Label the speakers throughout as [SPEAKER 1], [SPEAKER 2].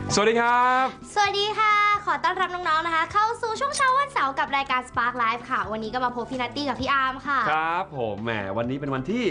[SPEAKER 1] สวัสดีครับ
[SPEAKER 2] สวัสดีค่ะขอต้อนรับน้องๆนะคะเข้าสู่ช่วงเช้าวันเสาร์กับรายการ Spark Live ค่ะวันนี้ก็มาพบพี่นัตตี้กับพี่อาร์มค่ะ
[SPEAKER 1] ครับผมแหมวันนี้เป็นวันที่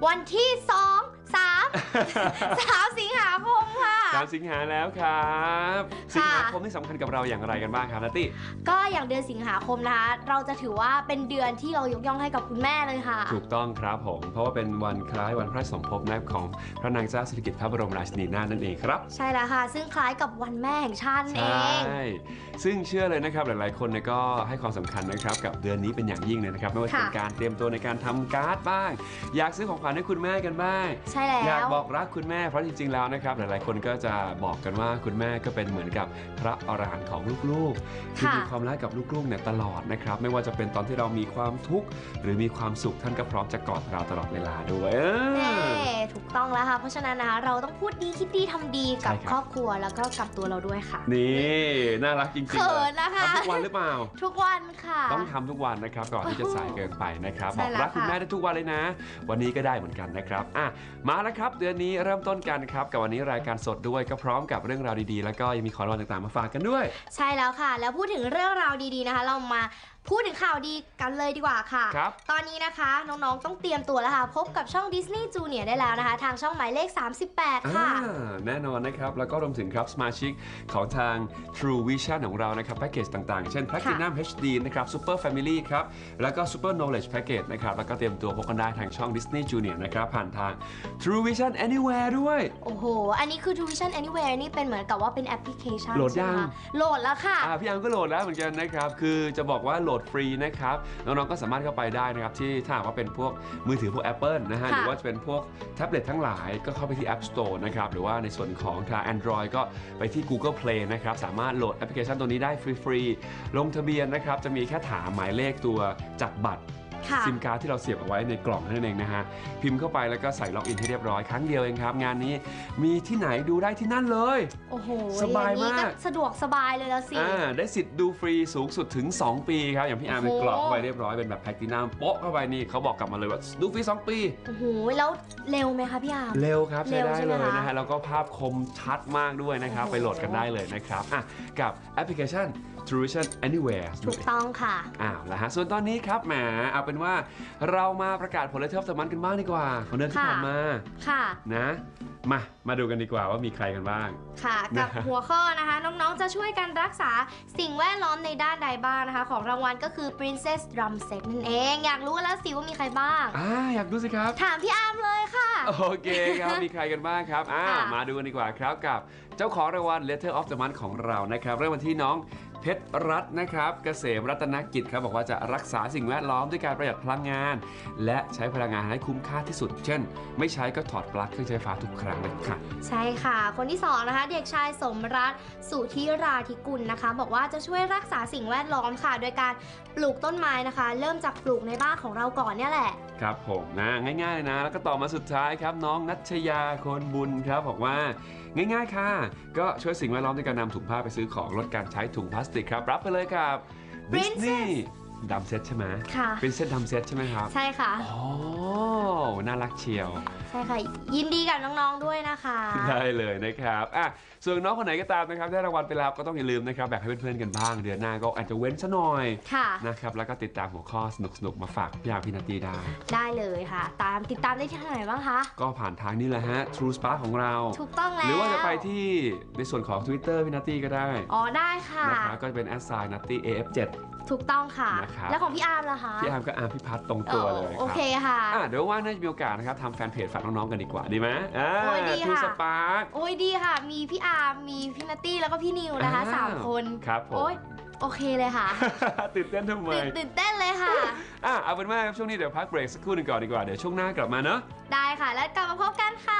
[SPEAKER 2] 3 สิงหาคมค่ะ
[SPEAKER 1] 3 สิงหาแล้วครับสิงหาคมนี่สำคัญกับเราอย่างไรกันบ้างครับนัตตี้
[SPEAKER 2] ก็อย่างเดือนสิงหาคมนะคะเราจะถือว่าเป็นเดือนที่เรายกย่องให้กับคุณแม่เลยค่ะ
[SPEAKER 1] ถูกต้องครับผมเพราะว่าเป็นวันคล้ายวันพระสมภพของพระนางเจ้าสิริกิติ์พระบรมราชินีนาถนั่นเองครับ
[SPEAKER 2] ใช่แล้วค่ะซึ่งคล้ายกับวันแม่แห่งชาติเอง
[SPEAKER 1] ใช่ซึ่งเชื่อเลยนะครับหลายๆคนก็ให้ความสำคัญนะครับกับเดือนนี้เป็นอย่างยิ่งเลยนะครับไม่ว่าจะเป็นการเตรียมตัวในการทำการ์ดบ้างอยากซื้อของขวัญให้คุณแม่กันบ้าง
[SPEAKER 2] ใช่แล้ว
[SPEAKER 1] อยากบอกรักคุณแม่เพราะจริงๆแล้วนะครับหลายๆคนก็จะบอกกันว่าคุณแม่ก็เป็นเหมือนกับพระอรหันต์ของลูกๆที่มีความรักกับลูกๆเนี่ยตลอดนะครับไม่ว่าจะเป็นตอนที่เรามีความทุกข์หรือมีความสุขท่านก็พร้อมจะกอดเราตลอดเวลาด้วย
[SPEAKER 2] ถูกต้องแล้วค่ะเพราะฉะนั้นนะคะเราต้องพูดดีคิดดีทำดีกับครอบครัวแล้วก็กับตัวเราด้วยค่ะ
[SPEAKER 1] นี่น่ารักจริงๆ
[SPEAKER 2] เขินนะคะ
[SPEAKER 1] ทำทุกวันหรือเปล่า
[SPEAKER 2] ทุกวันค่ะ
[SPEAKER 1] ต้องทำทุกวันนะครับก่อนที่จะสายเกินไปนะครับบอกรักคุณแม่ได้ทุกวันเลยนะวันนี้ก็ได้เหมือนกันนะครับมาแล้วครับเดือนนี้เริ่มต้นกันครับกับวันนี้รายการสดด้วยก็พร้อมกับเรื่องราวดีๆแล้วก็ยังมีของรางวัลต่างๆมาฝากกันด้วย
[SPEAKER 2] ใช่แล้วค่ะแล้วพูดถึงเรื่องราวดีๆนะคะเรามาพูดถึงข่าวดีกันเลยดีกว่าค่ะตอนนี้นะคะน้องๆต้องเตรียมตัวแล้วค่ะพบกับช่อง Disney Junior ได้แล้วนะคะทางช่องหมายเลข38ค่ะ
[SPEAKER 1] แน่นอนนะครับแล้วก็รวมถึงครับสมาชิกของทาง True Vision ของเรานะครับแพ็กเกจต่างๆเช่น Platinum HD นะครับ Super Family ครับแล้วก็ Super Knowledge Package นะครับแล้วก็เตรียมตัวพบกันได้ทางช่อง Disney Junior นะครับผ่านทาง True Vision Anywhere ด้วย
[SPEAKER 2] โอ้โหอันนี้คือ True Vision Anywhere นี่เป็นเหมือนกับว่าเป็นแอปพลิเคชัน
[SPEAKER 1] โหลดยัง
[SPEAKER 2] โหลดแล้วค่ะ
[SPEAKER 1] พี่อังก็โหลดแล้วเหมือนกันนะครับคือจะบอกว่าโหลดฟรีนะครับน้องๆก็สามารถเข้าไปได้นะครับที่ถ้าหากว่าเป็นพวกมือถือพวก Apple นะฮะหรือว่าจะเป็นพวกแท็บเล็ตทั้งหลายก็เข้าไปที่ App Store นะครับหรือว่าในส่วนของทาง Android ก็ไปที่ Google Play นะครับสามารถโหลดแอปพลิเคชันตัวนี้ได้ฟรีๆลงทะเบียนนะครับจะมีแค่ถามหมายเลขตัวจับบัตรซิมการ์ดที่เราเสียบเอาไว้ในกล่องนั่นเองนะฮะพิมพ์เข้าไปแล้วก็ใส่ล็อกอินให้เรียบร้อยครั้งเดียวเองครับงานนี้มีที่ไหนดูได้ที่นั่นเลย
[SPEAKER 2] โอ้โห
[SPEAKER 1] สบายมาก
[SPEAKER 2] สะดวกสบายเลยแล้วสิ
[SPEAKER 1] ได้สิทธิ์ดูฟรีสูงสุดถึง2 ปีครับอย่างพี่อาร์มกรอกเข้าไปเรียบร้อยเป็นแบบแพลตินัมโป๊ะเข้าไปนี่เขาบอกกลับมาเลยว่าดูฟรี2 ปี
[SPEAKER 2] โอ้โหแล้วเร็วไหมคะพี่อาร์ม
[SPEAKER 1] เร็วครับใช้ได้เลยนะฮะแล้วก็ภาพคมชัดมากด้วยนะครับไปโหลดกันได้เลยนะครับกับแอปพลิเคชันTrue Vision Anywhere
[SPEAKER 2] ถูกต้องค่ะ
[SPEAKER 1] แล้วฮะส่วนตอนนี้ครับแหมเอาเป็นว่าเรามาประกาศผลเลขที่มันกันบ้างดีกว่าของเดือนที่ผ่านมา
[SPEAKER 2] ค่ะ
[SPEAKER 1] นะมาดูกันดีกว่าว่ามีใครกันบ้าง
[SPEAKER 2] ค่ะกับหัวข้อนะคะน้องๆจะช่วยกันรักษาสิ่งแวดล้อมในด้านใดบ้างนะคะของรางวัลก็คือ Princess Drum Set นั่นเองอยากรู้แล้วสิว่ามีใครบ้าง
[SPEAKER 1] อยากดูสิครับ
[SPEAKER 2] ถามพี่อาร์มเลยค่ะ
[SPEAKER 1] โอเคครับมีใครกันบ้างครับมาดูกันดีกว่าครับกับเจ้าของรางวัล Letter of the Month ของเรานะครับเริ่มวันที่น้องเพชรรัตน์นะครับเกษมรัตนกิจครับบอกว่าจะรักษาสิ่งแวดล้อมด้วยการประหยัดพลังงานและใช้พลังงานให้คุ้มค่าที่สุดเช่นไม่ใช้ก็ถอดปลั๊กเครื่องใช้ไฟฟ้าทุกครั้งเลยค่ะ
[SPEAKER 2] ใช่ค่ะคนที่2นะคะเด็กชายสมรัตน์สุธิราธิกุลนะคะบอกว่าจะช่วยรักษาสิ่งแวดล้อมค่ะโดยการปลูกต้นไม้นะคะเริ่มจากปลูกในบ้านของเราก่อนเนี่ยแหละ
[SPEAKER 1] ครับผมนะง่ายๆเลยนะแล้วก็ต่อมาสุดท้ายครับน้องนัชยาคนบุญครับบอกว่าง่ายๆค่ะก็ช่วยสิ่งแวดล้อมด้วยการนำถุงผ้าไปซื้อของลดการใช้ถุงพลาสติกครับรับไปเลยครับดิสนีย์ดัมเซ็ตใช่ไหม
[SPEAKER 2] ค่ะ
[SPEAKER 1] เป็นเซ็ตดัมเซ็ตใช่ไหมครับ
[SPEAKER 2] ใช่ค่ะ
[SPEAKER 1] น่ารักเชียว
[SPEAKER 2] ใช่ค่ะยินดีกับน้องๆด้วยนะคะ
[SPEAKER 1] ได้เลยนะครับส่วนน้องคนไหนก็ตามนะครับได้รางวัลไปแล้วก็ต้องอย่าลืมนะครับแบ่งให้เพื่อนๆกันบ้างเดือนหน้าก็อาจจะเว้นซะหน่อยนะครับแล้วก็ติดตามหัวข้อสนุกๆมาฝากพี่อาร์พี่นัตตี้
[SPEAKER 2] ได้เลยค่ะติดตามได้ที่ไหนบ้างคะ
[SPEAKER 1] ก็ผ่านทางนี้แหละฮะ True Spark ของเรา
[SPEAKER 2] ถูกต้องแล้ว
[SPEAKER 1] หรือว่าจะไปที่ในส่วนของ Twitter พี่นัตตี้ก็ได้
[SPEAKER 2] ได้ค่ะ
[SPEAKER 1] นะครับก็จะเป็น @nattyaf7
[SPEAKER 2] ถูกต้องค่ะแล้วของพี่อาร์มล่ะคะ
[SPEAKER 1] พี่อาร์มก็อาร์มพี่พัฒตรงตัวเลย
[SPEAKER 2] โอเคค่ะ
[SPEAKER 1] เดี๋ยวว่างน่าจะมีโอกาสนะครับทำแฟนเพจฝากน้องๆกันดีกว่าดีไหม
[SPEAKER 2] ดีค่ะ
[SPEAKER 1] สปาร์ค
[SPEAKER 2] ดีค่ะมีพี่อาร์มมีพี่นัตตี้แล้วก็พี่นิวนะคะ3 คน
[SPEAKER 1] ครับผม
[SPEAKER 2] โอเคเลยค่ะ
[SPEAKER 1] ตื่นเต้นทำไม
[SPEAKER 2] ตื่นเต้นเลยค่ะ
[SPEAKER 1] เอาเป็นว่าช่วงนี้เดี๋ยวพักเบรกสักครู่หนึ่งก่อนดีกว่าเดี๋ยวช่วงหน้ากลับมาเนาะ
[SPEAKER 2] ได้ค่ะแล้วกลับมาพบกันค่ะ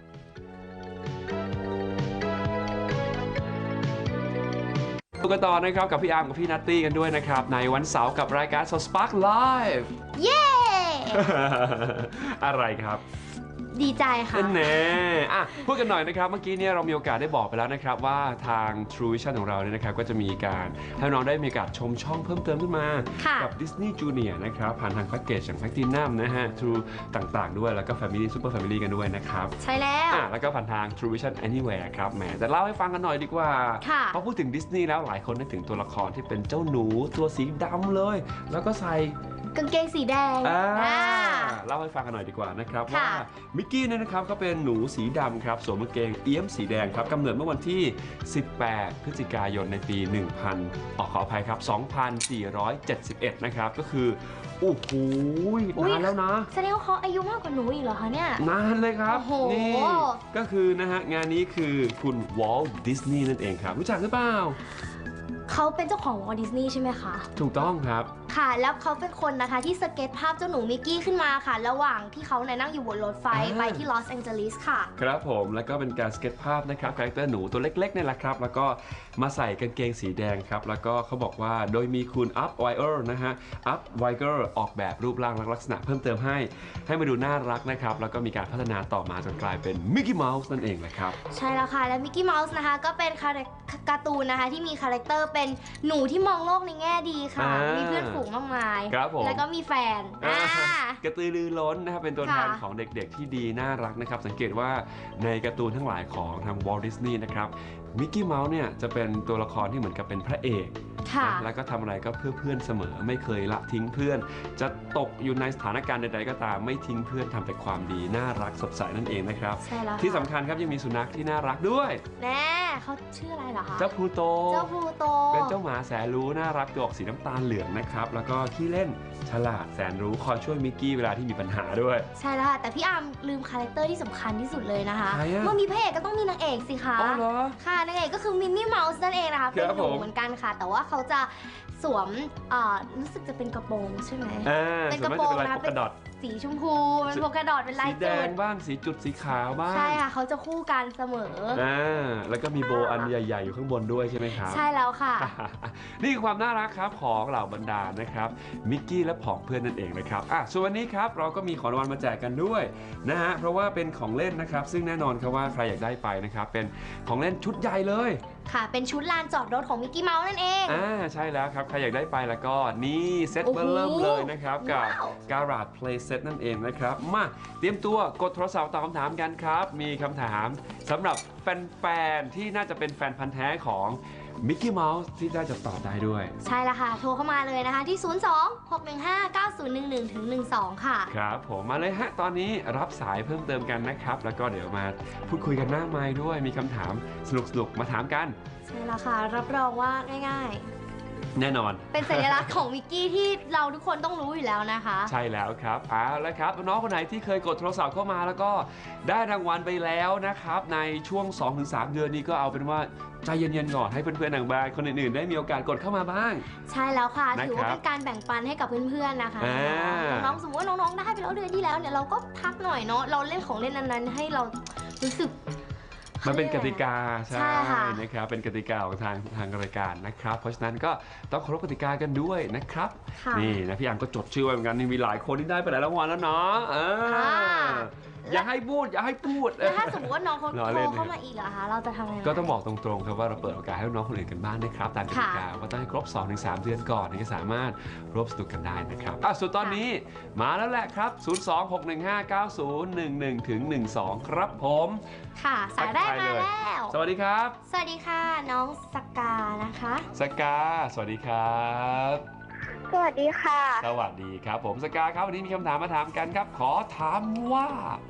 [SPEAKER 1] ดูกันต่อนะครับกับพี่อาร์มกับพี่นัตตี้กันด้วยนะครับในวันเสาร์กับรายการ Spark Live
[SPEAKER 2] เย้
[SPEAKER 1] อะไรครับ
[SPEAKER 2] ดีใจค่ะ
[SPEAKER 1] แน่พูดกันหน่อยนะครับเมื่อกี้เนี่ยเรามีโอกาสได้บอกไปแล้วนะครับว่าทาง True Vision ของเราเนี่ยนะครับก็จะมีการให้น้องได้มีโอกาสชมช่องเพิ่มเติมขึ้นมากับ Disney Junior นะครับผ่านทางแพ็กเกจอย่าง Platinum นะฮะ True ต่างๆด้วยแล้วก็ Family Super Family กันด้วยนะครับ
[SPEAKER 2] ใช่แล้ว
[SPEAKER 1] แล้วก็ผ่านทาง True Vision Anywhere ครับแหมแต่เล่าให้ฟังกันหน่อยดีกว่าพอพูดถึงดิสนีย์แล้วหลายคนนึกถึงตัวละครที่เป็นเจ้าหนูตัวสีดำเลยแล้วก็ใส่
[SPEAKER 2] กางเกงสีแดง
[SPEAKER 1] เล่าให้ฟังกันหน่อยดีกว่านะครับว่ามิกกี้เนี่ยนะครับก็เป็นหนูสีดำครับสวมกางเกงเอี้ยมสีแดงครับกำเนิดเมื่อวันที่ 18 พฤศจิกายนในปี ขออภัยครับ 2471 นะครับก็คือโอ้โหนานแล้วนะ
[SPEAKER 2] แสดงว่าเขาอายุมากกว่าหนูอีกเหรอคะเนี่ย
[SPEAKER 1] นานเลยครับนี่ก็คือนะฮะงานนี้คือคุณวอลต์ดิสนีย์นั่นเองครับรู้จักหรือเปล่า
[SPEAKER 2] เขาเป็นเจ้าของวอลต์ดิสนีย์ใช่ไหมคะ
[SPEAKER 1] ถูกต้องครับ
[SPEAKER 2] ค่ะแล้วเขาเป็นคนนะคะที่สเก็ตภาพเจ้าหนูมิกกี้ขึ้นมาค่ะระหว่างที่เขานั่งอยู่บนรถไฟไปที่ลอสแองเจลิสค่ะ
[SPEAKER 1] ครับผมแล้วก็เป็นการสเก็ตภาพนะครับคาแรคเตอร์หนูตัวเล็กๆนี่แหละครับแล้วก็มาใส่กางเกงสีแดงครับแล้วก็เขาบอกว่าโดยมีคุณอัพไวเออร์นะฮะอัพไวเออร์ออกแบบรูปร่างและลักษณะเพิ่มเติมให้มาดูน่ารักนะครับแล้วก็มีการพัฒนาต่อมาจนกลายเป็นมิกกี้เมาส์นั่นเองนะครับ
[SPEAKER 2] ใช่แล้วค่ะและมิกกี้เมาส์นะคะก็เป็นการ์ตูนนะคะที่มีคาแรคเตอร์เป็นหนูที่มองโลกในแง่ดีค่ะมีเพื่อนฝูงมากมายแล้วก็มีแฟน
[SPEAKER 1] กระตือรือร้นนะครับเป็นตัวแทนของเด็กๆที่ดีน่ารักนะครับสังเกตว่าในการ์ตูนทั้งหลายของทางวอลต์ดิสนีย์นะครับมิกกี้เมาส์เนี่ยจะเป็นตัวละครที่เหมือนกับเป็นพระเอกแล้วก็ทำอะไรก็เพื่อเพื่อนเสมอไม่เคยละทิ้งเพื่อนจะตกอยู่ในสถานการณ์ใดๆก็ตามไม่ทิ้งเพื่อนทำแต่ความดีน่ารักสดใสนั่นเองนะครับที่สำคัญครับยังมีสุนัขที่น่ารักด้วย
[SPEAKER 2] แน่เขาชื่ออะไรเหรอคะ
[SPEAKER 1] เจ้าพลูโต
[SPEAKER 2] เป็
[SPEAKER 1] นเจ้าหมาแสนรู้น่ารักตัวออกสีน้ำตาลเหลืองนะครับแล้วก็ขี้เล่นฉลาดแสนรู้คอยช่วยมิกกี้เวลาที่มีปัญหาด้วย
[SPEAKER 2] ใช่แล้วค่ะแต่พี่อาร์มลืมคาแรคเตอร์ที่สำคัญที่สุดเลยนะคะเมื่อมีพระเอกก็ต้องมีนางเอกสิคะค่ะนางเอกก็คือมินนี่เมาส์นั่นเองนะคะเป็นหนูเหมือนกันค่ะแต่ว่าเขาจะสวมรู้สึกจะเป็นกระโปรงใช่ไหม
[SPEAKER 1] เป็นกระโปรงนะเป็น
[SPEAKER 2] สีชมพูเป็นโพกระดอดเป็นลายจุดสี
[SPEAKER 1] แดงบ้างสีจุดสีขาวบ้าง
[SPEAKER 2] ใช่ค่ะเขาจะคู่กันเสมอ
[SPEAKER 1] แล้วก็มีโบอันใหญ่ๆอยู่ข้างบนด้วยใช่ไหมครับ
[SPEAKER 2] ใช่แล้วค่ะ
[SPEAKER 1] นี่คือความน่ารักครับของเหล่าบรรดานะครับมิกกี้และผองเพื่อนนั่นเองนะครับส่วนวันนี้ครับเราก็มีของรางวัลมาแจกกันด้วยนะฮะเพราะว่าเป็นของเล่นนะครับซึ่งแน่นอนครับว่าใครอยากได้ไปนะครับเป็นของเล่นชุดใหญ่เลย
[SPEAKER 2] ค่ะเป็นชุดลานจอดรถของมิกกี้เมาส์นั่นเอง
[SPEAKER 1] ใช่แล้วครับใครอยากได้ไปแล้วก็นี่เซ็ตเริ่มเลยนะครับกับ Garage Play Set นั่นเองนะครับมาเตรียมตัวกดโทรศัพท์ตอบคำถามกันครับมีคำถามสำหรับแฟนๆที่น่าจะเป็นแฟนพันธุ์แท้ของมิกกี้เมาส์ที่น่าจะตอบได้ด้วย
[SPEAKER 2] ใช่แล้วค่ะโทรเข้ามาเลยนะคะที่ 02-615-9011-12 ค่ะ
[SPEAKER 1] ครับผมมาเลยฮะตอนนี้รับสายเพิ่มเติมกันนะครับแล้วก็เดี๋ยวมาพูดคุยกันหน้าไมค์ด้วยมีคำถามสนุกๆมาถามกัน
[SPEAKER 2] ใช่แล้วค่ะรับรองว่าง่าย
[SPEAKER 1] แน่นอน
[SPEAKER 2] เป็นสัญลักษณ์ของมิกกี้ที่เราทุกคนต้องรู้อยู่แล้วนะคะ
[SPEAKER 1] ใช่แล้วครับแล้วครับน้องคนไหนที่เคยกดโทรศัพท์เข้ามาแล้วก็ได้รางวัลไปแล้วนะครับในช่วง 2-3 เดือนนี้ก็เอาเป็นว่าใจเย็นๆก่อนให้เพื่อนๆทางบ้านคนอื่นๆได้มีโอกาสกดเข้ามาบ้าง
[SPEAKER 2] ใช่แล้วค่ะถือว่าเป็นการแบ่งปันให้กับเพื่อนๆนะคะน้องสมมติว่าน้องๆได้ไปแล้วเดือนที่แล้วเนี่ยเราก็พักหน่อยเนาะเราเล่นของเล่นนั้นๆให้เรารู้สึก
[SPEAKER 1] มันเป็นกติกาใช่นะครับเป็นกติกาของทางรายการนะครับเพราะฉะนั้นก็ต้องเคารพกติกากันด้วยนะครับนี่นะพี่อังก็จดชื่อไว้เหมือนกันมีหลายคนที่ได้ไปหลายรางวัลแล้วเนาะอย่าให้พูด
[SPEAKER 2] แล้วถ้าสมมติว่าน้องเขาโทรเข้ามาอีกเหรอคะเราจะทำยังไง
[SPEAKER 1] ก็ต้องบอกตรงๆครับว่าเราเปิดโอกาสให้น้องคนอื่นกันบ้างนะครับตามกติกาว่าต้องให้ครบ 2-3 เดือนก่อนถึงจะสามารถร่วมสนุกกันได้นะครับส่วนตอนนี้มาแล้วแหละครับ 026159011-12 ครับผม
[SPEAKER 2] ค่ะสายแรกมาแล้ว
[SPEAKER 1] สวัสดีครับ
[SPEAKER 2] สวัสดีค่ะน้องสกานะคะ
[SPEAKER 1] สกาสวัสดีครับ
[SPEAKER 3] สวัสดีค่ะ
[SPEAKER 1] สวัสดีครับผมสกาครับวันนี้มีคำถามมาถามกันครับขอถามว่า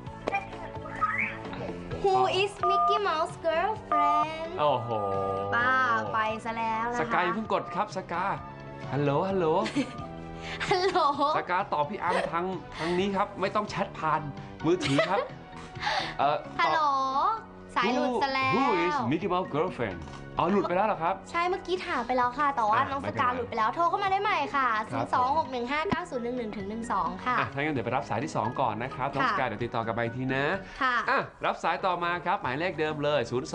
[SPEAKER 2] Who is Mickey Mouse girlfriend
[SPEAKER 1] โอ้โห
[SPEAKER 2] ป้าไปซะแล้วนะคะ
[SPEAKER 1] สกาอย่าเพิ่งกดครับสกาฮัลโหลฮัลโหลสกาตอบพี่อาร์มทางนี้ครับไม่ต้องแชทผ่านมือถือครับ
[SPEAKER 2] ฮัลโหลสายหลุดซะแล้ว
[SPEAKER 1] Who is Mickey Mouse girlfriend หลุดไปแล้วเหรอครับ
[SPEAKER 2] ใช่เมื่อกี้ถามไปแล้วค่ะแต่ว่าน้องสกาหลุดไปแล้วโทรเข้ามาได้ใหม่ค่ะ 026159011-12 ค่ะ
[SPEAKER 1] ถ้างั้นเดี๋ยวไปรับสายที่ 2 ก่อนนะครับน้องสกาเดี๋ยวติดต่อกลับไปทีนะ
[SPEAKER 2] ค่ะ
[SPEAKER 1] รับสายต่อมาครับหมายเลขเดิมเลย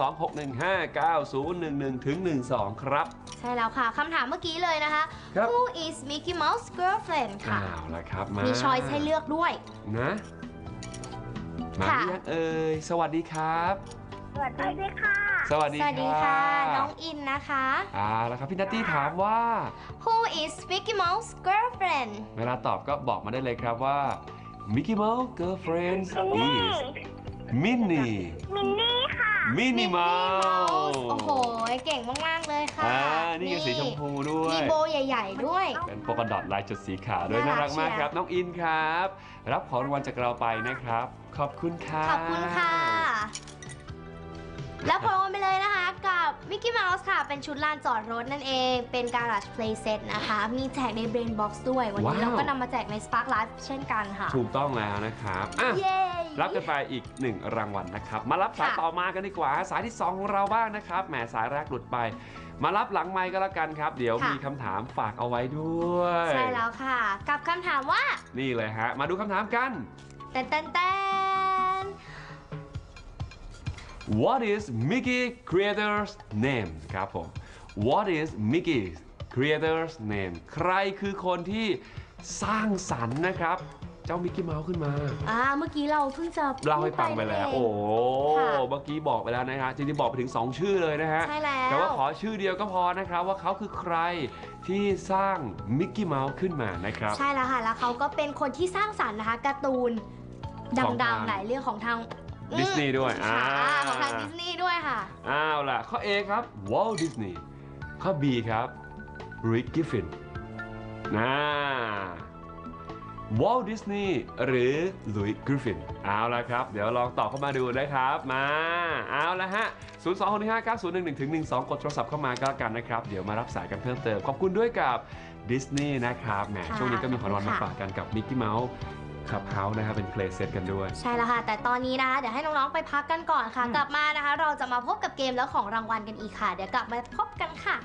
[SPEAKER 1] 026159011-12 ครับ
[SPEAKER 2] ใช่แล้วค่ะคำถามเมื่อกี้เลยนะคะ Who is Mickey Mouse girlfriend ค่ะ
[SPEAKER 1] ละครับ
[SPEAKER 2] มีช้อยส์ให้เลือกด้วย
[SPEAKER 1] นะมาหรือยังเอ่ยสวัสดีครับ
[SPEAKER 3] สวัสดีค่ะ
[SPEAKER 1] สวัสดี
[SPEAKER 2] สวัสดีค่ะน้องอินนะคะ
[SPEAKER 1] แล้วครับพี่นัตตี้ถามว่า
[SPEAKER 2] Who is Mickey Mouse girlfriend
[SPEAKER 1] เวลาตอบก็บอกมาได้เลยครับว่า Mickey Mouse girlfriend is Minnie
[SPEAKER 3] มินนี่ค่ะ
[SPEAKER 1] Minnie Mouse
[SPEAKER 2] โอ้โหเก่งมากๆเลยค่ะ
[SPEAKER 1] นี่ก็สีชมพูด้วย
[SPEAKER 2] มีโบใหญ่ๆด้วย
[SPEAKER 1] เป็นโปกดอทลายจุดสีขาวด้วยน่า
[SPEAKER 2] น่ารั
[SPEAKER 1] รั
[SPEAKER 2] ก
[SPEAKER 1] กมาก
[SPEAKER 2] เชียร์
[SPEAKER 1] ครับน้องอินครับ รับของรางวัลจากเราไปนะครับ ขอบคุณค่ะ
[SPEAKER 2] ขอบคุณค่ะ แล้วพร้อมไปเลยนะคะกับ Mickey Mouse ค่ะ เป็นชุดลานจอดรถนั่นเอง เป็น Garage Play Set นะคะ มีแจกใน Brain Box ด้วย วันนี้เราก็นำมาแจกใน Spark Live เช่นกันค่ะ
[SPEAKER 1] ถูกต้องแล้วนะครับ
[SPEAKER 2] เย้
[SPEAKER 1] รับกันไปอีก1รางวัลนะครับ มารับสาย
[SPEAKER 2] ค่ะ
[SPEAKER 1] ต่อมากันดีกว่า สายที่ 2 ของเราบ้างนะครับ แหมสายแรกหลุดไป มารับหลังไมค์ก็แล้วกันครับ เดี๋ยวมีคำถามฝากเอาไว้ด้วย
[SPEAKER 2] ใช่แล้วค่ะ กับคำถามว่า
[SPEAKER 1] นี่เลยฮะ มาดูคำถามกัน
[SPEAKER 2] แตน
[SPEAKER 1] What is Mickey Creator's name ครับผม What is Mickey Creator's name ใครคือคนที่สร้างสรรค์นะครับ เจ้ามิกกี้เมาส์ขึ้นมา
[SPEAKER 2] เมื่อกี้เราเพิ่งจะ
[SPEAKER 1] เล่าให้ฟังไปแล้ว
[SPEAKER 2] พู
[SPEAKER 1] โอ้
[SPEAKER 2] ด
[SPEAKER 1] โห
[SPEAKER 2] ค่ะ
[SPEAKER 1] เมื่อกี้บอกไปแล้วนะฮะจริงๆบอกไปถึง 2 ชื่อเลยนะฮะ
[SPEAKER 2] ใช่แล้ว
[SPEAKER 1] แต่ว่าขอชื่อเดียวก็พอนะครับ ว่าเขาคือใครที่สร้างมิกกี้เมาส์ขึ้นมานะครับ
[SPEAKER 2] ใช่แล้วค่ะ แล้วเขาก็เป็นคนที่สร้างสรรค์นะคะการ์ตูน
[SPEAKER 1] ของ
[SPEAKER 2] ดั
[SPEAKER 1] ทาง ง
[SPEAKER 2] ๆหลายเรื่องของทาง
[SPEAKER 1] ดิสนีย์ด้วย
[SPEAKER 2] ค่ะของทางดิสนีย์ด้วยค่ะ
[SPEAKER 1] อ้าวล่ะ ข้อ A ครับ Walt Disney ข้อ B ครับ Rick Griffin Walt Disney หรือ Louis Griffin เอาละครับ เดี๋ยวลองตอบเข้ามาดูนะครับ มาเอาละฮะ 026559011-12 กดโทรศัพท์เข้ามาก็แล้วกันนะครับ เดี๋ยวมารับสายกันเพิ่มเติม ขอบคุณด้วยกับดิสนีย์นะครับแหม
[SPEAKER 2] ค่ะ
[SPEAKER 1] ช่วงนี้ก็มีของรางวัลมา
[SPEAKER 2] ค่ะ
[SPEAKER 1] ฝากกันกับมิกกี้เมาส์ขับเฮาส์นะครับเป็นเพลย์เซตกันด้วย
[SPEAKER 2] ใช่แล้วค่ะ แต่ตอนนี้นะคะ เดี๋ยวให้น้องๆไปพักกันก่อนค่ะ กลับมานะคะ เราจะมาพบกับเกมแล้วของรางวัลกันอีกค่ะ เดี๋ยวกลับมาพบกันค่ะ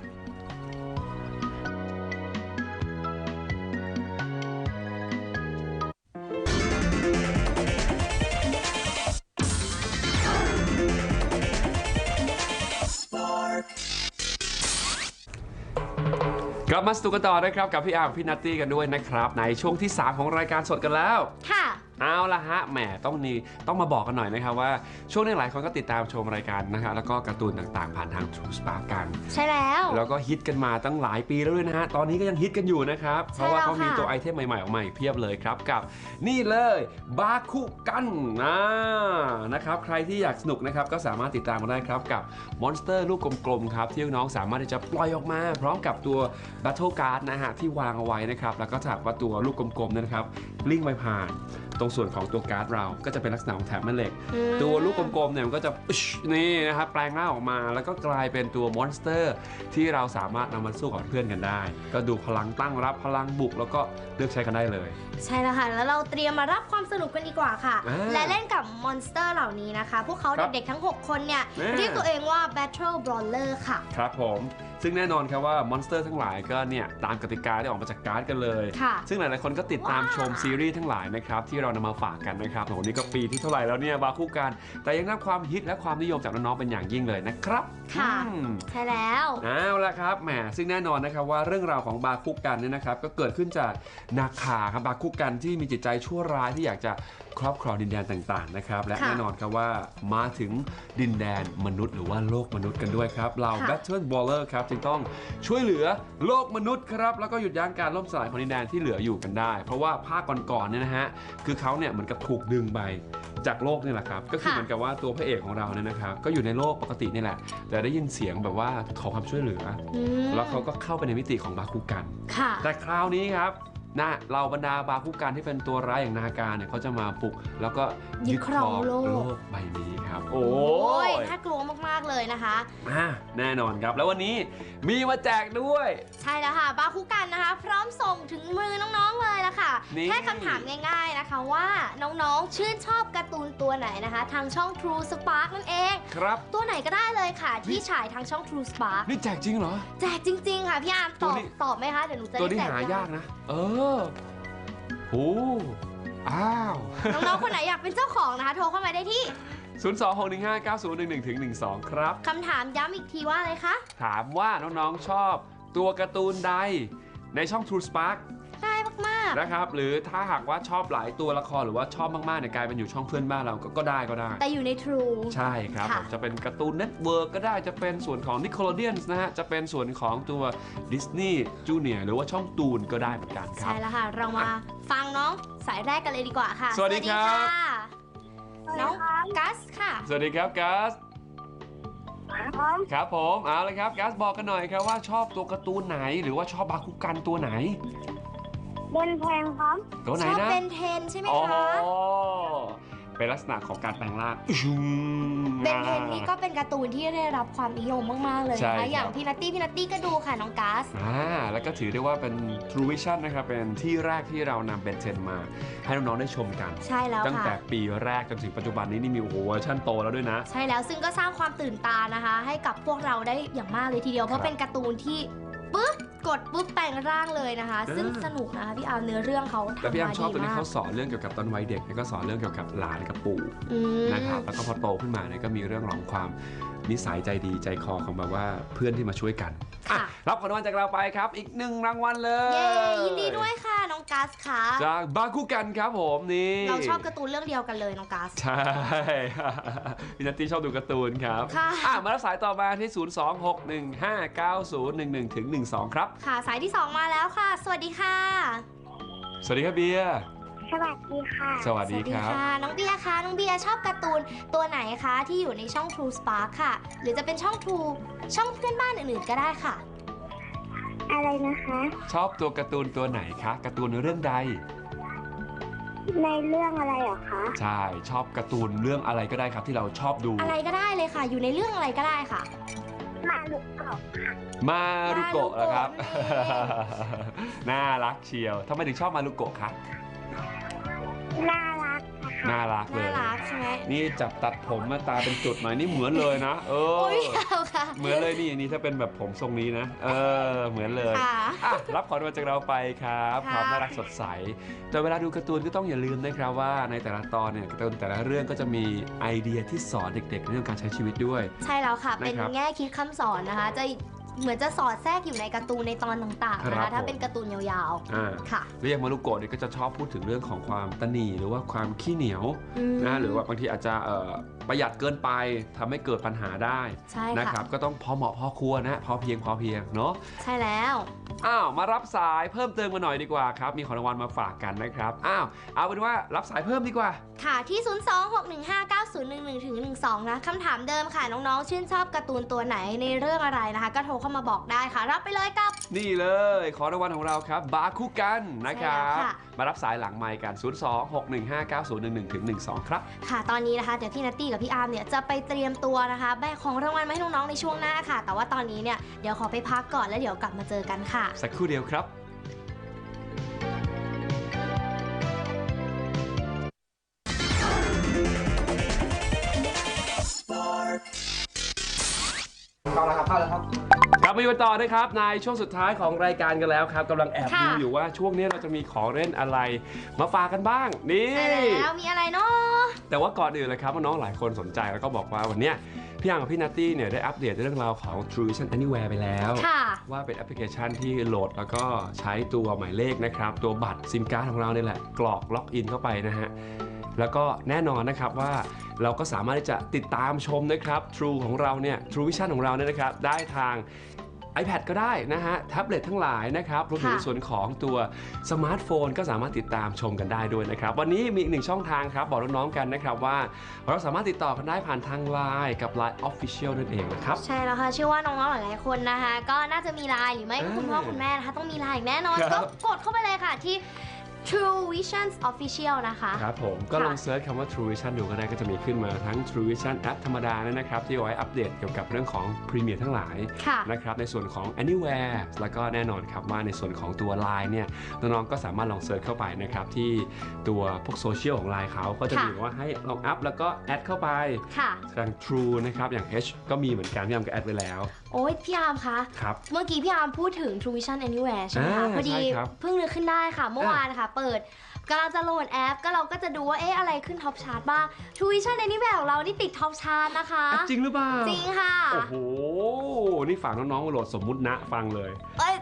[SPEAKER 1] กลับมาสตูกันต่อนะครับกับพี่อาร์มพี่นัตตี้กันด้วยนะครับในช่วงที่ 3 ของรายการสดกันแล้ว
[SPEAKER 2] ค่ะ
[SPEAKER 1] เอาละฮะแหมต้องมาบอกกันหน่อยนะครับว่าช่วงนี้หลายคนก็ติดตามชมรายการนะฮะแล้วก็การ์ตูนต่างๆผ่านทาง True Spark กัน
[SPEAKER 2] ใช่แล้ว
[SPEAKER 1] แล้วก็ฮิตกันมาตั้งหลายปีแล้วด้วยนะฮะตอนนี้ก็ยังฮิตกันอยู่นะครับเพราะว่าเขามี
[SPEAKER 2] ค่ะ
[SPEAKER 1] ตัวไอเทมใหม่ๆออกมาอีกเพียบเลยครับกับนี่เลยบาคุกันนะครับใครที่อยากสนุกนะครับก็สามารถติดตามมาได้ครับกับมอนสเตอร์ลูกกลมๆครับที่น้องๆสามารถที่จะปล่อยออกมา พร้อมกับตัว Battle Card นะฮะที่วางเอาไว้นะครับแล้วก็ถ้าหากว่าตัวลูกกลมๆนะครับลิ่งไปผ่านตรงส่วนของตัวการ์ดเราก็จะเป็นลักษณะของแถบแม่เหล็ก ตัวลูกกลมๆเนี่ยมันก็จะนี่นะครับแปลงร่างออกมาแล้วก็กลายเป็นตัวมอนสเตอร์ที่เราสามารถนำมาสู้กับเพื่อนกันได้ ก็ดูพลังตั้งรับพลังบุกแล้วก็เลือกใช้กันได้เลย
[SPEAKER 2] ใช่แล้วค่ะ แล้วเราเตรียมมารับความสนุกกันดีกว่าค่ะ และเล่นกับมอนสเตอร์เหล่านี้นะคะ พวกเขา
[SPEAKER 1] ครับ
[SPEAKER 2] เด็กๆทั้ง 6 คนเนี่ย
[SPEAKER 1] แน่
[SPEAKER 2] เรียกตัวเองว่า Battle Brawler ค่ะ
[SPEAKER 1] ครับผมซึ่งแน่นอนครับว่ามอนสเตอร์ทั้งหลายก็เนี่ยตามกติกาที่ออกมาจากการ์ดกันเลย
[SPEAKER 2] ค่ะ
[SPEAKER 1] ซึ่งหลายๆคนก็ติดตามชมซีรีส์ทั้งหลายนะครับที่เรานำมาฝากกันนะครับโอ้โหนี่ก็ปีที่เท่าไหร่แล้วเนี่ยบาคุกัน แต่ยังได้ความฮิตและความนิยมจากน้องๆเป็นอย่างยิ่งเลยนะครับ
[SPEAKER 2] ค่ะ
[SPEAKER 1] อืม
[SPEAKER 2] ใช่แล้ว
[SPEAKER 1] เอาละครับแหมซึ่งแน่นอนนะครับว่าเรื่องราวของบาคุกันเนี่ยนะครับก็เกิดขึ้นจากนาคาครับบาคุกันที่มีจิตใจชั่วร้ายที่อยากจะครอบครองดินแดนต่างๆนะครับและ
[SPEAKER 2] ค่ะ
[SPEAKER 1] แน่นอนครับว่ามาถึงดินแดนมนุษย์หรือว่าโลกมนุษย์กันด้วยครับเรา
[SPEAKER 2] ค่ะ
[SPEAKER 1] Battle Brawler ครับจึงต้องช่วยเหลือโลกมนุษย์ครับแล้วก็หยุดยั้งการล่มสลายของดินแดนที่เหลืออยู่กันได้ เพราะว่าภาคก่อนๆเนี่ยนะฮะคือเขาเนี่ยเหมือนกับถูกดึงไปจากโลกนี่แหละครับก็คือเหมือนกับว่าตัวพระเอกของเราเนี่ยนะครับก็อยู่ในโลกปกตินี่แหละแต่ได้ยินเสียงแบบว่าขอความช่วยเหลือ
[SPEAKER 2] อืม
[SPEAKER 1] แล้วเขาก็เข้าไปในมิติของบาคุกัน
[SPEAKER 2] ค่ะ
[SPEAKER 1] แต่คราวนี้ครับนะเราบรรดาบาคุกันที่เป็นตัวร้ายอย่างนาการเนี่ยเขาจะมาปลุกแล้วก็ยึดครองโลกใบนี้ครับ โอ้ย
[SPEAKER 2] น่ากลัวมากๆเลยนะคะ
[SPEAKER 1] แน่นอนครับแล้ววันนี้มีมาแจกด้วย
[SPEAKER 2] ใช่แล้วค่ะบาคุกันนะคะ พร้อมส่งถึงมือน้องๆเลยละค่ะ
[SPEAKER 1] นี่
[SPEAKER 2] แค่คำถามง่ายๆนะคะว่าน้องๆชื่นชอบการ์ตูนตัวไหนนะคะ ทางช่อง True Spark นั่นเอง
[SPEAKER 1] ครับ
[SPEAKER 2] ตัวไหนก็ได้เลยค่ะที่ฉายทางช่อง True Spark
[SPEAKER 1] นี่แจกจริงเหรอ
[SPEAKER 2] แจกจริงๆค่ะพี่อาร์ม
[SPEAKER 1] ตัวนี้
[SPEAKER 2] ตอบไหมคะเดี๋ยวหนูจะ
[SPEAKER 1] ตัว
[SPEAKER 2] ได้
[SPEAKER 1] นี้
[SPEAKER 2] แจก
[SPEAKER 1] หายากนะ โอ้อ้าว
[SPEAKER 2] น้องๆคนไหนอยากเป็นเจ้าของนะคะ โทรเข้ามาได้ที่
[SPEAKER 1] 026159011-12 ครับ
[SPEAKER 2] คำถามย้ำอีกทีว่าอะไรคะ
[SPEAKER 1] ถามว่าน้องๆชอบตัวการ์ตูนใดในช่อง True Spark
[SPEAKER 2] ง่ายมากาก
[SPEAKER 1] นะครับหรือถ้าหากว่าชอบหลายตัวละครหรือว่าชอบมากๆเนี่ยกลายเป็นอยู่ช่องเพื่อนบ้านเราก็ได้
[SPEAKER 2] แต่อยู่ใน True
[SPEAKER 1] ใช่ครับจะเป็นการ์ตูนเน็ตเวิร์กก็ได้จะเป็นส่วนของ Nickelodeon นะฮะจะเป็นส่วนของตัว Disney Junior หรือว่าช่องตูนก็ได้เหมือนกันครับ
[SPEAKER 2] ใช่แล้วค่ะเรามาฟังน้องสายแรกกันเลยดีกว่าค่ะ
[SPEAKER 1] สวัสดีครับ
[SPEAKER 2] น้องกัสค่ะ
[SPEAKER 1] สวัสดีครับกัสครับผมเอาเลยครับกัสบอกกันหน่อยครับว่าชอบตัวการ์ตูนไหนหรือว่าชอบบาคุกันตัวไหน
[SPEAKER 3] เบนเทนครับ
[SPEAKER 1] ตัวไหนนะ
[SPEAKER 2] ชอบเบนเทนใช่ไหมคะ
[SPEAKER 1] เป็นลักษณะของการแปลงร่าง
[SPEAKER 2] เบนเทนนี่ก็เป็นการ์ตูนที่ได้รับความนิยมมากๆเลยนะคะอย่างพี่นัตตี้ก็ดูค่ะน้องกัส
[SPEAKER 1] แล้วก็ถือได้ว่าเป็น True Vision นะครับเป็นที่แรกที่เรานำเบนเทนมาให้น้องๆได้ชมกัน
[SPEAKER 2] ใช่แล้วค่ะ
[SPEAKER 1] ตั้งแต่ปีแรกจนถึงปัจจุบันนี้นี่มีเวอร์ชันโตแล้วด้วยนะ
[SPEAKER 2] ใช่แล้วซึ่งก็สร้างความตื่นตานะคะให้กับพวกเราได้อย่างมากเลยทีเดียวเพราะเป็นการ์ตูนที่ปึ๊บกดปุ๊บแปลงร่างเลยนะคะซึ่งสนุกนะคะพี่อาร์มเนื้อเรื่องเขาทำมาดีมากแต่
[SPEAKER 1] พี่อาร์มชอบตัวนี้เขาสอนเรื่องเกี่ยวกับตอนวัยเด็กก็สอนเรื่องเกี่ยวกับหลานกับปู่นะครับแล้วก็พอโตขึ้นมาเนี่ยก็มีเรื่องของความนิสัยใจดีใจคอของแบบว่าเพื่อนที่มาช่วยกันรับของรางวัลจากเราไปครับอีก1รางวัลเลย
[SPEAKER 2] เย้ยินดีด้วยค่ะน้องกัสค่ะ
[SPEAKER 1] จากบาคุกันครับผมนี่
[SPEAKER 2] เราชอบการ์ตูนเรื่องเดียวกันเลยน้องกัส
[SPEAKER 1] ใช่พี่นัตตี้ชอบดูการ์ตูนครับมารับสายต่อมาที่026159011-12ครับ
[SPEAKER 2] ค่ะสายที่2มาแล้วค่ะสวัสดีค่ะ
[SPEAKER 1] สวัสดีครับเบียร์
[SPEAKER 3] สวัสดีค่ะ
[SPEAKER 1] สวัสดีครับ
[SPEAKER 2] น้องเบียร์คะน้องเบียร์ชอบการ์ตูนตัวไหนคะที่อยู่ในช่อง True Spark ค่ะหรือจะเป็นช่อง True ช่องเพื่อนบ้านอื่นๆก็ได้ค่ะ
[SPEAKER 3] อะไรนะคะ
[SPEAKER 1] ชอบตัวการ์ตูนตัวไหนคะการ์ตูนเรื่องใด
[SPEAKER 3] ในเรื่องอะไรเหรอคะ
[SPEAKER 1] ใช่ชอบการ์ตูนเรื่องอะไรก็ได้ครับที่เราชอบดู
[SPEAKER 2] อะไรก็ได้เลยค่ะอยู่ในเรื่องอะไรก็ได้ค่ะ
[SPEAKER 3] มารุโกะ
[SPEAKER 1] มารุโกะเหรอครับน่ารักเชียวทำไมถึงชอบมารุโกะคะ
[SPEAKER 3] น่ารัก
[SPEAKER 1] น่ารักเลย
[SPEAKER 2] น่ารักใช่ไหม
[SPEAKER 1] นี่จับตัดผมมาตาเป็นจุดหน่อยนี่เหมือนเลยนะเหมือนเลยนี่ถ้าเป็นแบบผมทรงนี้นะเหมือนเลยรับของรางวัลจากเราไปครับความน่ารักสดใสแต่เวลาดูการ์ตูนก็ต้องอย่าลืมนะครับว่าในแต่ละตอนเนี่ยการ์ตูนแต่ละเรื่องก็จะมีไอเดียที่สอนเด็กๆในเรื่องการใช้ชีวิตด้วย
[SPEAKER 2] ใช่แล้วค่ะเป็นแง่คิดคำสอนนะคะจะเหมือนจะสอดแทรกอยู่ในการ์ตูนในตอนต่างๆนะคะถ้าเป็นการ์ตูนยาวๆค่ะ
[SPEAKER 1] เรียกมารุโกะเนี่ยก็จะชอบพูดถึงเรื่องของความตนีหรือว่าความขี้เหนียวนะหรือว่าบางทีอาจจะประหยัดเกินไปทำให้เกิดปัญหาได้นะครับก็ต้องพอเหมาะพอควรนะพอเพียงเนาะ
[SPEAKER 2] ใช่แล้ว
[SPEAKER 1] มารับสายเพิ่มเติมมาหน่อยดีกว่าครับมีของรางวัลมาฝากกันนะครับเอาเป็นว่ารับสายเพิ่มดีกว่า
[SPEAKER 2] ค่ะที่026159011-12นะคำถามเดิมค่ะน้องๆชื่นชอบการ์ตูนตัวไหนในเรื่องอะไรนะคะก็โทรเข้ามาบอกได้ค่ะรับไปเลยกับ
[SPEAKER 1] นี่เลยขอรางวัลของเราครับบาคุกันนะครับมารับสายหลังไมค์กัน026159011-12ครับ
[SPEAKER 2] ค่ะตอนนี้นะคะเดี๋ยวพี่นัตตี้กับพี่อาร์มเนี่ยจะไปเตรียมตัวนะคะแบกของรางวัลมาให้น้องๆในช่วงหน้าค่ะแต่ว่าตอนนี้เนี่ยเดี๋ยวขอไปพักก่อนแล้วเดี๋ยวกลับมาเจอกันค่ะ
[SPEAKER 1] สักครู่เดียวครับ
[SPEAKER 4] เข้าแล้วครับ
[SPEAKER 1] กลับมาอยู่ต่อนะครับในช่วงสุดท้ายของรายการกันแล้วครับกำลังแอบดูอยู่ว่าช่วงนี้เราจะมีของเล่นอะไรมาฝากกันบ้างนี่
[SPEAKER 2] แล้วมีอะไรเนาะ
[SPEAKER 1] แต่ว่าก่อนอื่นเลยครับน้องหลายคนสนใจแล้วก็บอกว่าวันนี้พี่อังกับพี่นัตตี้เนี่ยได้อัปเดตเรื่องราวของ True Vision Anywhere ไปแล้วว่าเป็นแอปพลิเคชันที่โหลดแล้วก็ใช้ตัวหมายเลขนะครับตัวบัตรซิมการ์ดของเราเนี่ยแหละกรอกล็อกอินเข้าไปนะฮะแล้วก็แน่นอนนะครับว่าเราก็สามารถที่จะติดตามชมนะครับ True ของเราเนี่ย True Vision ของเราเนี่ยนะครับได้ทาง iPad ก็ได้นะฮะแท็บเล็ตทั้งหลายนะครับรวมถึงส่วนของตัวสมาร์ทโฟนก็สามารถติดตามชมกันได้ด้วยนะครับวันนี้มีอีกหนึ่งช่องทางครับบอกน้องๆกันนะครับว่าเราสามารถติดต่อกันได้ผ่านทาง LINE กับ LINE Official นั่นเองนะครับ
[SPEAKER 2] ใช่แล้วค่ะเชื่อว่าน้องๆหลายๆคนนะคะก็น่าจะมี LINE หรือไม่ก็คุณพ่อคุณแม่นะคะต้องมี LINE แน่นอนก็กดเข้าไปเลยค่ะที่True Vision Official นะคะ
[SPEAKER 1] ครับผมก็ลองเซิร์ชคำว่า True Vision ดูก็ได้ก็จะมีขึ้นมาทั้ง True Vision แอปธรรมดานะครับที่เอาไว้อัปเดตเกี่ยวกับเรื่องของพรีเมียร์ทั้งหลายนะครับในส่วนของ Anywhere แล้วก็แน่นอนครับว่าในส่วนของตัว LINE เนี่ยน้องๆก็สามารถลองเซิร์ชเข้าไปนะครับที่ตัวพวกโซเชียลของ LINE เขาก็จะมีว่าให้ลองอัพแล้วก็แอดเข้าไปทาง True นะครับอย่าง H ก็มีเหมือนกันพี่อาร์มก็แอดไว้แล้ว
[SPEAKER 2] โอ้ยพี่อาร์มคะเมื่อกี้พี่อาร์มพูดถึง True Vision Anywhere ใช่ไหมคะพอดีเพิ่งนึกขึ้นได้ค่ะเมื่อวานค่ะเปิดกำลังจะโหลดแอปก็เราก็จะดูว่าอะไรขึ้นท็อปชาร์ตบ้าง True Vision Anywhere ของเรานี่ติดท็อปชาร์ตนะคะ
[SPEAKER 1] จริงหรือเปล่า
[SPEAKER 2] จริงค่ะ
[SPEAKER 1] โอ้โหนี่ฝากน้องๆมาโหลดสมมุตินะฟังเลย
[SPEAKER 2] ได้ค่ะ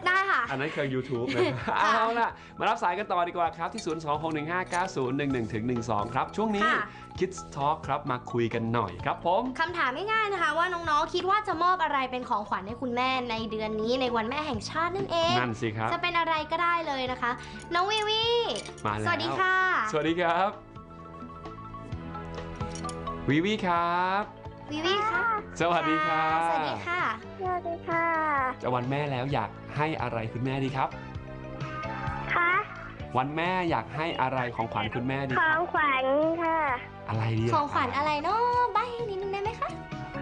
[SPEAKER 1] อันนั้นคือ YouTube นะเอาล่ะมารับสายกันต่อดีกว่าครับที่ 026159011-12 ครับช่วงนี้ Kids Talk ครับมาคุยกันหน่อยครับผม
[SPEAKER 2] คำถามง่ายๆนะคะว่าน้องๆคิดว่าจะมอบอะไรเป็นของขวัญให้คุณแม่ในเดือนนี้ในวันแม่แห่งชาตินั่นเอง
[SPEAKER 1] นั่นสิครับ
[SPEAKER 2] จะเป็นอะไรก็ได้เลยนะคะน้องวิวี
[SPEAKER 1] มาแล้ว
[SPEAKER 2] สวัสดีค่ะ
[SPEAKER 1] สวัสดีครับวิวีครับ
[SPEAKER 2] วิวีค่ะ
[SPEAKER 1] สวัสดีค่ะ
[SPEAKER 2] สวัสดีค่ะ
[SPEAKER 3] สวัสดีค่ะ
[SPEAKER 1] จะวันแม่แล้วอยากให้อะไรคุณแม่ดีครับ
[SPEAKER 3] ค่ะ
[SPEAKER 1] วันแม่อยากให้อะไรของขวัญคุณแม่ดี
[SPEAKER 3] ของขวัญค่ะ
[SPEAKER 1] อะไรดี
[SPEAKER 2] ของขวัญอะไรเนาะใบ้นิดนึงได้ไหมคะ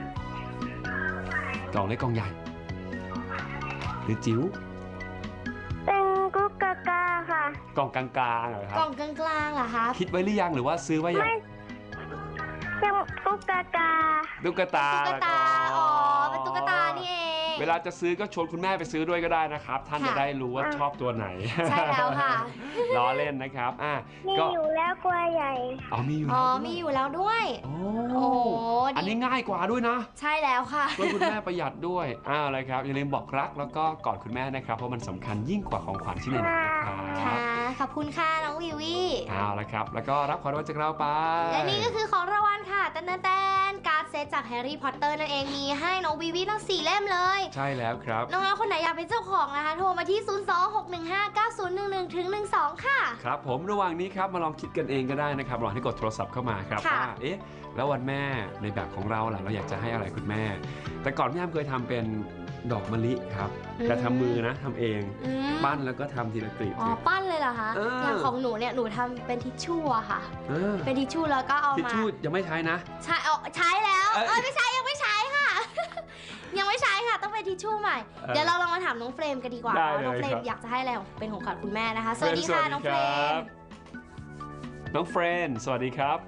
[SPEAKER 1] กล่องเล็กกล่องใหญ่หรือจิ๋ว
[SPEAKER 3] เป็นกุ๊กกาค่ะ
[SPEAKER 1] กล่องกลางๆเหรอครับ
[SPEAKER 2] กล่องกลางๆเหรอคะ
[SPEAKER 1] คิดไว้หรือยังหรือว่าซื้อไว้ยัง
[SPEAKER 3] เป็นกุ๊กกา
[SPEAKER 1] ตุ๊กตา
[SPEAKER 2] อ๋อเป็นตุ๊กตานี่เอง
[SPEAKER 1] เวลาจะซื้อก็ชวนคุณแม่ไปซื้อด้วยก็ได้นะครับท่านจะได้รู้ว่าชอบตัวไหน
[SPEAKER 2] ใช่แล้วค่ะ
[SPEAKER 1] ล้อเล่นนะครับ
[SPEAKER 3] มีอยู่แล้วกลัวใหญ่
[SPEAKER 1] มีอยู่
[SPEAKER 2] มีอยู่แล้วด้วย
[SPEAKER 1] โอ้อันนี้ง่ายกว่าด้วยนะ
[SPEAKER 2] ใช่แล้วค่ะ
[SPEAKER 1] ช่วยคุณแม่ประหยัดด้วยอะไรครับอย่าลืมบอกรักแล้วก็กอดคุณแม่นะครับเพราะมันสำคัญยิ่งกว่าของขวัญชิ้นไหนนะครับ
[SPEAKER 2] ค่ะขอบคุณค่ะน้องวิวี
[SPEAKER 1] ละครับแล้วก็รับของรางวัลจากเราไป
[SPEAKER 2] และนี่ก็คือของรางวัลค่ะแตนการ์ดเซตจากแฮร์รี่พอตเตอร์นั่นเองมีให้น้องวิวีทั้ง4เล่มเลย
[SPEAKER 1] ใช่แล้วครับ
[SPEAKER 2] น้องๆคนไหนอยากเป็นเจ้าของนะคะโทรมาที่ 026159011-12 ค่ะ
[SPEAKER 1] ครับผมระหว่างนี้ครับมาลองคิดกันเองก็ได้นะครับลองให้กดโทรศัพท์เข้ามาครับว่าแล้ววันแม่ในแบบของเราล่ะเราอยากจะให้อะไรคุณแม่แต่ก่อนพี่อ้ำเคยทำเป็นดอกมะลิครับแต่ทำมือนะทำเองปั้นแล้วก็ทำทีละกลีบ
[SPEAKER 2] ปั้นเลยเหรอคะอย่างของหนูเนี่ยหนูทำเป็นทิชชู่อะค่ะเป็นทิชชู่แล้วก็เอามา
[SPEAKER 1] ทิชชู่ยังไม่ใช้นะ
[SPEAKER 2] ใช้แล้วไม่ใช้ยังไม่ใช้ค่ะยังไม่ใช้ค่ะต้องเป็นทิชชู่ใหม่เดี๋ยวเราลองมาถามน้องเฟรมกันดีกว่าน้องเฟรมอยากจะให้อะไรเป็นของขวัญคุณแม่นะคะสวัสดีค่ะน้องเฟรม
[SPEAKER 1] น้องเฟรมสวัสดีครับ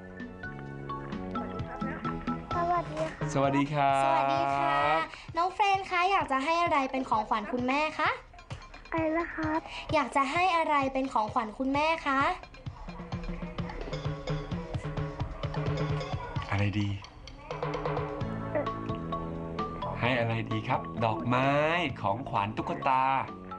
[SPEAKER 1] สวัสดีค่ะ
[SPEAKER 2] สวัสดีค่ะน้องเฟรนคะอยากจะให้อะไรเป็นของขวัญคุณแม่คะ
[SPEAKER 3] อะไรล่ะครับ
[SPEAKER 2] อยากจะให้อะไรเป็นของขวัญคุณแม่คะ
[SPEAKER 1] อะไรดีให้อะไรดีครับดอกไม้ของขวัญตุ๊กตา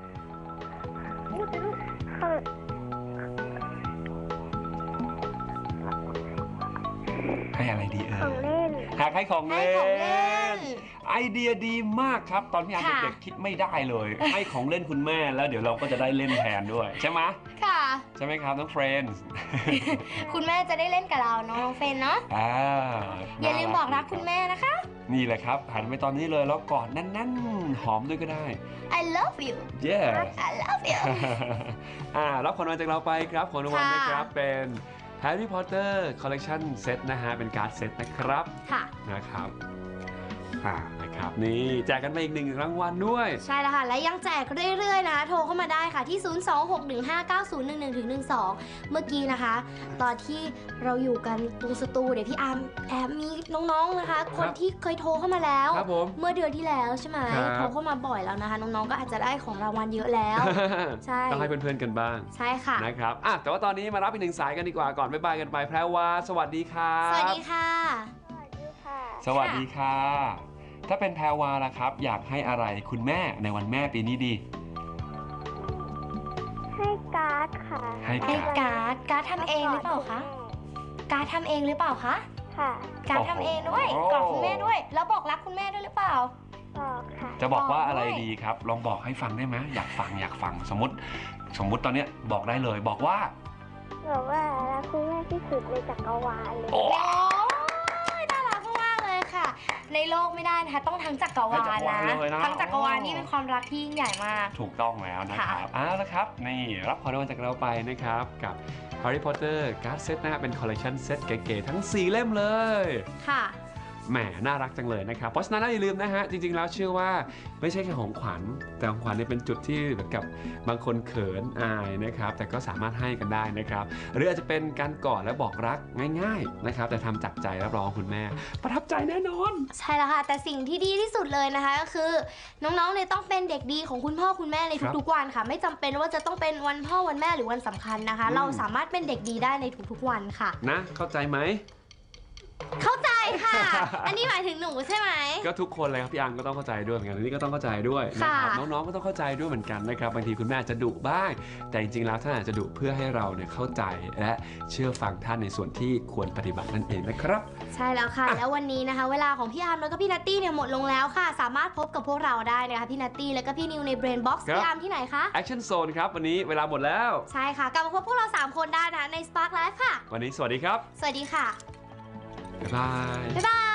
[SPEAKER 1] ให้อะไรดี
[SPEAKER 3] ของเล่น
[SPEAKER 1] หากให้ของเล่นไอเดียดีมากครับตอนที่เด็กๆคิดไม่ได้เลยให้ของเล่นคุณแม่แล้วเดี๋ยวเราก็จะได้เล่นแทนด้วยใช่ไหม
[SPEAKER 2] ค่ะ
[SPEAKER 1] ใช่ไหมครับน้องเฟรนด์
[SPEAKER 2] คุณแม่จะได้เล่นกับเราน้องเฟรนเนาะอย่าลืมบอกรักคุณแม่นะคะ
[SPEAKER 1] นี่แหละครับหันไปตอนนี้เลยแล้วกอดแน่นๆหอมด้วยก็ได้
[SPEAKER 2] I love you
[SPEAKER 1] yeah
[SPEAKER 2] I love you
[SPEAKER 1] รับของรางวัลจากเราไปครับของรางวัลนะครับเป็นHarry Potter Collection Set นะฮะเป็นการ์ดเซตนะครับนะครับนะครับนี่แจกกันไปอีก1รางวัลด้วย
[SPEAKER 2] ใช่แล้วค่ะและยังแจกเรื่อยๆนะโทรเข้ามาได้ค่ะที่ 026159011-12 เมื่อกี้นะคะตอนที่เราอยู่กันตรงสตูเดี๋ยวพี่อาร์มแอบมีน้องๆนะคะคนที่เคยโทรเข้ามาแล้วเมื่อเดือนที่แล้วใช่ไหมโทรเข้ามาบ่อยแล้วนะคะน้องๆก็อาจจะได้ของรางวัลเยอะแล้วใช่
[SPEAKER 1] ต้องให้เพื่อนๆกันบ้าง
[SPEAKER 2] ใช่ค่ะ
[SPEAKER 1] นะครับแต่ว่าตอนนี้มารับอีก1สายกันดีกว่าก่อนบ๊ายบายกันไปแพรวาสวัสดีค่ะ
[SPEAKER 2] สวัสดีค่ะ
[SPEAKER 1] สวัสดีค่ะถ้าเป็นแพรวาล่ะครับอยากให้อะไรคุณแม่ในวันแม่ปีนี้ดี
[SPEAKER 3] ให้การ์ดค่ะ
[SPEAKER 2] ให้การ์ดทำเองหรือเปล่าคะการ์ดทำเองหรือเปล่าคะ
[SPEAKER 3] ค่ะ
[SPEAKER 2] การ์ดทำเองด้วยกอดคุณแม่ด้วยแล้วบอกรักคุณแม่ด้วยหรือเปล่า
[SPEAKER 3] บอกค่ะ
[SPEAKER 1] จะบอกว่าอะไรดีครับลองบอกให้ฟังได้ไหมอยากฟังสมมติตอนนี้บอกได้เลยบอกว่า
[SPEAKER 3] รักคุณแม่ที่สุดในจักรวาลเลย
[SPEAKER 2] ในโลกไม่ได้นะคะต้องทั้งจักรวาลนะทั้งจักรวาลนี่เป็นความรักที่ยิ่งใหญ่มาก
[SPEAKER 1] ถูกต้องแล้วนะครับแล้วครับนี่รับของรางวัลจากเราไปนะครับกับ Harry Potter Card Set นะครับเป็น Collection Set เก๋ๆทั้ง4เล่มเลย
[SPEAKER 2] ค่ะ
[SPEAKER 1] แหมน่ารักจังเลยนะครับเพราะฉะนั้นอย่าลืมนะฮะจริงๆแล้วเชื่อว่าไม่ใช่แค่ของขวัญแต่ของขวัญเนี่ยเป็นจุดที่เหมือนกับบางคนเขินอายนะครับแต่ก็สามารถให้กันได้นะครับหรืออาจจะเป็นการกอดและบอกรักง่ายๆนะครับแต่ทำจากใจรับรองคุณแม่ประทับใจแน่นอน
[SPEAKER 2] ใช่แล้วค่ะแต่สิ่งที่ดีที่สุดเลยนะคะก็คือน้องๆเนี่ยต้องเป็นเด็กดีของคุณพ่อคุณแม่ในทุกๆวันค่ะไม่จำเป็นว่าจะต้องเป็นวันพ่อวันแม่หรือวันสำคัญนะคะเราสามารถเป็นเด็กดีได้ในทุกๆวันค่ะ
[SPEAKER 1] นะเข้าใจไหม
[SPEAKER 2] เข้าใจค่ะอันนี้หมายถึงหนูใช่ไหม
[SPEAKER 1] ก็ทุกคนเลยครับพี่อังก็ต้องเข้าใจด้วยเหมือนกันอันนี้ก็ต้องเข้าใจด้วยนะครับน้องๆก็ต้องเข้าใจด้วยเหมือนกันนะครับบางทีคุณแม่อาจจะดุบ้างแต่จริงๆแล้วท่านอาจจะดุเพื่อให้เราเนี่ยเข้าใจและเชื่อฟังท่านในส่วนที่ควรปฏิบัตินั่นเองนะครับ
[SPEAKER 2] ใช่แล้วค่ะ แล้ววันนี้นะคะ เวลาของพี่อาร์มแล้วก็พี่นัตตี้เนี่ยหมดลงแล้วค่ะสามารถพบกับพวกเราได้นะคะพี่นัตตี้แล้วก็พี่นิวใน Brain Box พี่อาร์มที่ไหนคะ
[SPEAKER 1] Action Zone ครับวันนี้เวลาหมดแล้ว
[SPEAKER 2] ใช่ค่ะกลับมาพบพวกเรา3คนได้นะคะใน Spark Live ค่ะ
[SPEAKER 1] วันนี้สวัสดีครับ
[SPEAKER 2] สวัสดีค่ะ
[SPEAKER 1] บ๊ายบาย
[SPEAKER 2] บ๊ายบาย